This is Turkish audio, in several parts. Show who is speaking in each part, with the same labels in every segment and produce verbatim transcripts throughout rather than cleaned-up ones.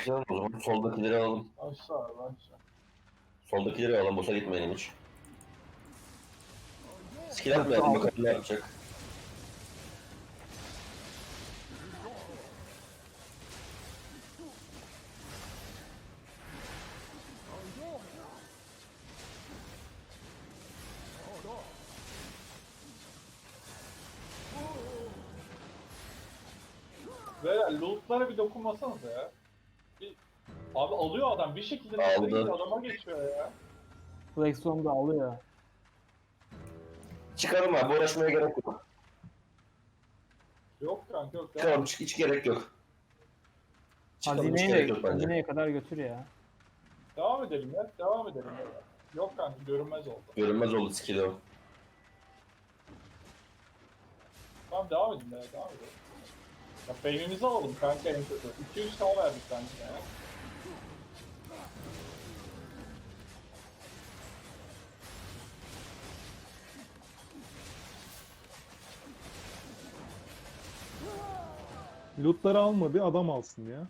Speaker 1: Tamam o zaman soldakileri alalım.
Speaker 2: Aşağı aşağı.
Speaker 1: Soldakileri alalım. Boşa gitmeyelim hiç. Skill atmayalım bakalım ne yapacak.
Speaker 2: Ve lootlara bir dokunmasanız ya. Bir... Abi alıyor adam bir şekilde
Speaker 1: Aldı.
Speaker 2: lootlara adama geçiyor ya.
Speaker 3: Flexon da alıyor.
Speaker 1: Çıkalım abi uğraşmaya gerek yok.
Speaker 2: Yok kanka yok ya.
Speaker 1: Çıkalım hiç, hiç gerek yok. Çıkalım hiç
Speaker 3: Hazineyi
Speaker 1: gerek
Speaker 3: de
Speaker 1: yok bence.
Speaker 3: hazineye kadar götür ya.
Speaker 2: Devam edelim ya. Devam edelim ya. Yok kanka görünmez oldu.
Speaker 1: Görünmez oldu skill'i o.
Speaker 2: Tamam devam edin ya. Devam edelim. Ya beynimizi alalım kanka en kötü. iki üç tane verdik bence ya.
Speaker 4: Lootları alma bir adam alsın ya.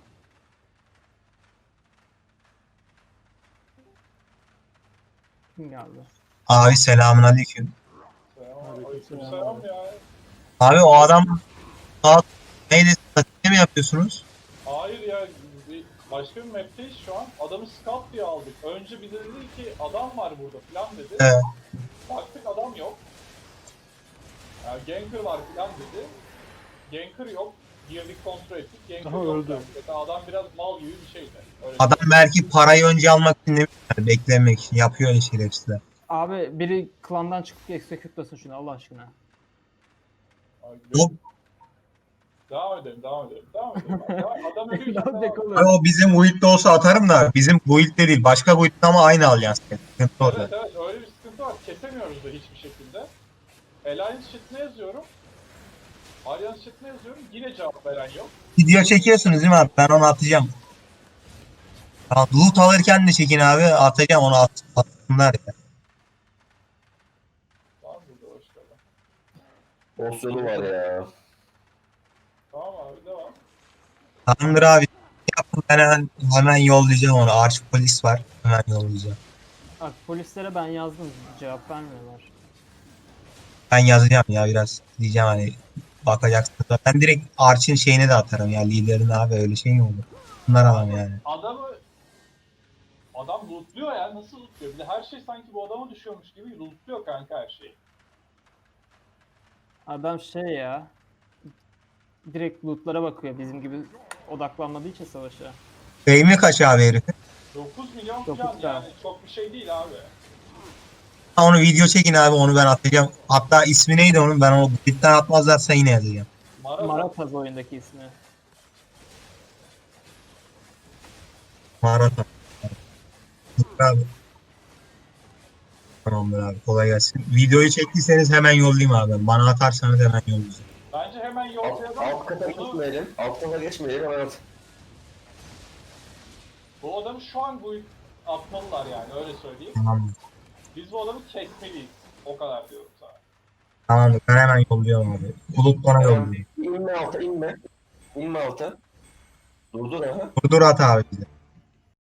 Speaker 3: Kim geldi?
Speaker 5: Abi selamünaleyküm.
Speaker 2: Selam.
Speaker 4: Aleykümselam.
Speaker 2: Aleykümselam ya.
Speaker 5: Abi o adam saat neydi? Ne mi yapıyorsunuz?
Speaker 2: Hayır ya. Bir, başka bir map'teyiz şu an. Adamı scout diye aldık. Önce bir de dedi ki adam var burada falan dedi.
Speaker 5: Evet.
Speaker 2: Baktık adam yok. Ya ganker var falan dedi. Ganker yok. Girdik kontrol ettik. Ganker
Speaker 4: Aha,
Speaker 2: yok.
Speaker 4: öldü.
Speaker 2: Yani. Adam biraz mal gibi bir şeydi. Öyle
Speaker 5: Adam belki parayı önce almak için demiş, yani beklemek için yapıyor öyle şerefsizler.
Speaker 3: Abi biri klandan çıkıp execute'lasın şunu Allah aşkına.
Speaker 2: Ay,
Speaker 5: Hop.
Speaker 2: Devam edelim, devam edelim, devam edelim. Adam, adam ölüyor.
Speaker 3: Ne olacak oğlum?
Speaker 5: Abi o bizim build'de olsa atarım da bizim build'de değil başka build'de ama aynı alyans. Sıkıntı
Speaker 2: Evet
Speaker 5: orada.
Speaker 2: evet öyle bir sıkıntı var. Kesemiyoruz da hiçbir şekilde. Alliance chat'ine yazıyorum. Alliance chat'ine yazıyorum. Yine cevap veren yok.
Speaker 5: Video çekiyorsunuz değil mi abi? Ben onu atacağım. Tamam, loot alırken de çekin abi atacağım onu at, atsınlar ya.
Speaker 2: Tamam burada hoş geldin.
Speaker 1: Boss yolu var ya.
Speaker 2: Tamam abi devam.
Speaker 5: Tamamdır abi. Yapın ben hemen, hemen yollayacağım onu. Arch polis var. Hemen yollayacağım.
Speaker 3: Bak polislere ben yazdım cevap vermiyorlar.
Speaker 5: Ben yazacağım ya biraz. Diyeceğim hani bakacaksınız. da. Ben direkt Arch'in şeyine de atarım ya liderine abi öyle şey mi olur? Bunlar adam yani.
Speaker 2: Adamı adam lootluyor ya nasıl lootluyor? Bir de her şey sanki bu adama düşüyormuş gibi lootluyor kanka her şeyi.
Speaker 3: Adam şey ya. Direkt lootlara bakıyor bizim gibi odaklanmadığı için savaşa.
Speaker 5: Fehmi kaç abi herifin?
Speaker 2: dokuz milyon
Speaker 3: Dokuz
Speaker 2: falan
Speaker 3: K.
Speaker 2: yani çok bir şey değil abi.
Speaker 5: Ha, onu video çekin abi onu ben atacağım. Hatta ismi neydi onun ben onu bitten atmazlarsa yine yazacağım.
Speaker 2: Mara
Speaker 3: Marataz oyundaki ismi.
Speaker 5: Mağarada. Abi. Tamamdır abi kolay gelsin. Videoyu çektiyseniz hemen yollayayım abi. Bana atarsanız hemen yollayacağım.
Speaker 2: bence hemen
Speaker 1: Alt,
Speaker 2: yollayalım.
Speaker 1: alt kata
Speaker 2: Bunu-
Speaker 1: geçmeyelim. Alt kata geçmeyelim hemen at.
Speaker 2: Bu adamı şu an bu atmalılar yani öyle söyleyeyim.
Speaker 5: Tamamdır.
Speaker 2: Biz bu adamı kesmeliyiz. O kadar diyorum sana.
Speaker 5: Tamamdır ben hemen yolluyorum abi. Bulut bana
Speaker 1: Tamam.
Speaker 5: yolluyor.
Speaker 1: İnme alta inme. İnme alta. Durdur aha.
Speaker 5: Dur dur at abi bize.